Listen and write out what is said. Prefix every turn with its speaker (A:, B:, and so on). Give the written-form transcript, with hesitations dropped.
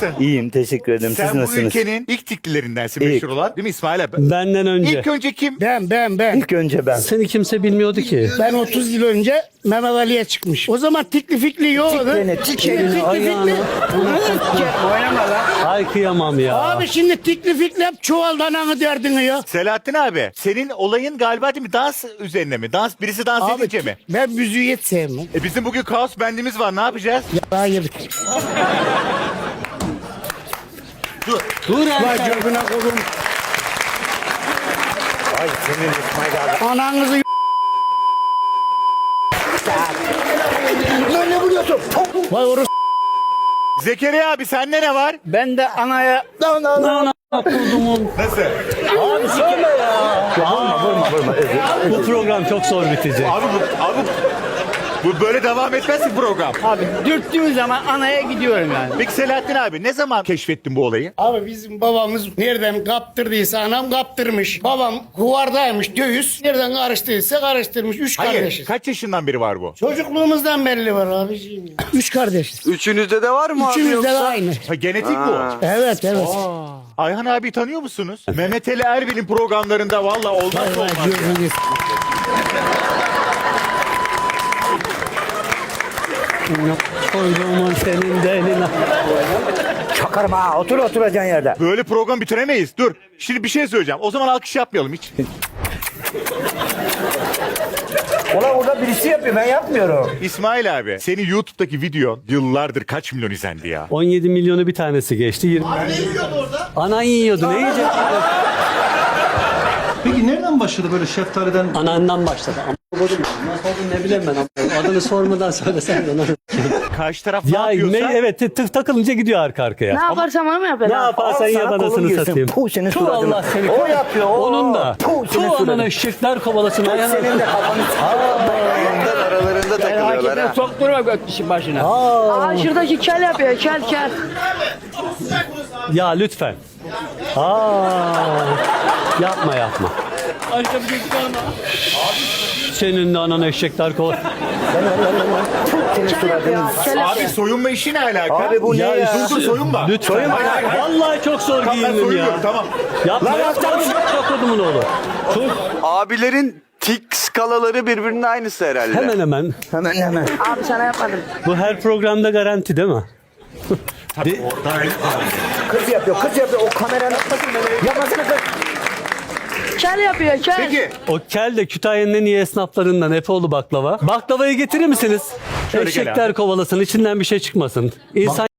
A: nasılsın?
B: İyiyim, teşekkür ederim. Siz
A: Sen bu
B: nasılsınız?
A: ülkenin ilk tiklilerindensin
B: İlk.
A: meşhur olan. Değil mi İsmail abi?
C: Benden önce.
A: İlk önce kim?
D: Ben.
B: İlk önce ben.
C: Seni kimse bilmiyordu ki.
D: Ben 30 yıl önce Mehmet Ali'ye çıkmış. O zaman tikli fikli yoktu.
B: Tiklene.
C: Ayağına.
D: Oynama lan.
C: Ay kıyamam ya.
D: Abi şimdi tikli fikli hep çuvalda ananı derdini ya.
A: Selahattin abi, senin olayın galiba değil mi? Dans üzerine mi? Birisi dans
D: Abi
A: edince mi?
D: ben müziği hiç sevmem.
A: Bizim bugün kaos bendimiz var. Ne yapacağız?
D: Ya hayır.
C: Dur
D: Vay
C: Erkan.
D: cebine koydum.
B: Ay senin İsmail abi.
D: Ananızı
B: Lan ne vuruyorsun?
D: Vay orası.
A: Zekeriya abi sende ne var?
D: Ben de anaya
C: Ana kurdumun.
A: Nasıl?
C: Abi söyle ya.
B: Vurma.
C: Bu program çok zor bitecek.
A: Abi bu böyle devam etmez ki program.
D: abi dürttüğüm zaman anaya gidiyorum yani.
A: Peki Selahattin abi ne zaman keşfettin bu olayı?
D: Abi bizim babamız nereden kaptırdıysa anam kaptırmış. Babam kuvardaymış döviz. Nereden karıştıysa karıştırmış. Üç
A: Hayır.
D: kardeşiz.
A: Kaç yaşından beri var bu?
D: Çocukluğumuzdan belli var abiciğim. Ya. Üç kardeşiz.
E: Üçünüzde de var mı abi
D: Üçümüz de
E: yoksa?
D: aynı.
A: Ha, genetik bu.
D: Evet.
A: Ayhan abi tanıyor musunuz? Mehmet Ali Erbil'in programlarında valla olmaz
D: Vay
A: olmaz ya.
D: gözünü
C: Koyduğumun senin de eline.
B: Çakarım ha. Oturacaksın yerde.
A: Böyle program bitiremeyiz. Dur. Şimdi bir şey söyleyeceğim. O zaman alkış yapmayalım hiç.
B: Ulan orada birisi yapıyor, ben yapmıyorum.
A: İsmail abi, senin YouTube'daki videon yıllardır kaç milyon izlendi ya?
C: 17 milyonu bir tanesi geçti. 20. Anan yiyordu. Ne yiyecek?
F: Peki nereden başladı böyle şeftaliden?
C: Anandan başladı. Ama nasıl oldu ne bileyim ben. Adını sormadan söylesen de onu.
A: Karşı taraf ne
C: Ya
A: yapıyorsa...
C: evet takılınca gidiyor arka arkaya.
G: Ne yaparsam onu mu yapar?
C: Ne yaparsan
B: Al
C: yap
B: sana kolun
C: anasını
B: girsin.
C: satayım.
B: Puh, senin
C: Tuh
B: suratına.
C: Allah seni.
B: O yapıyor, o.
C: Onun da.
B: Puh, senin
C: Tuh
B: suratına.
C: anana eşekler kovalasın. Ayağına.
B: Senin de kafanı.
E: Aralarında takılıyorlar ha.
D: sokturma gökkişi başına.
G: Aa şuradaki kel yapıyor kel.
C: Ya lütfen. Yapma. Senin de anana eşekler kovalasın.
B: Senin
G: Kel yapıyor
B: suratını.
G: kel
A: Abi
G: yapıyor.
A: soyunma işi ne alaka?
B: Abi bu ne ya?
A: Dur soyunma.
C: Lütfen.
A: Hayır.
C: Vallahi çok zor
A: Tamam ben
C: giyindim ya.
A: soyunuyorum tamam.
C: Yapma. Çok odumun oğlu. Çok
E: Abilerin tik skalaları birbirinin aynısı herhalde.
C: hemen.
B: Hemen.
G: Abi sana yapmadım.
C: Bu her programda garanti değil mi?
B: Kız yapıyor. O kameranın. Yapmasana kız.
G: Kel yapıyor kel.
A: Peki.
C: O kel de Kütahya'nın en iyi esnaflarından Efeoğlu baklava. Baklavayı getirir misiniz?
A: Şöyle gel
C: Eşekler kovalasın, içinden bir şey çıkmasın. İnsan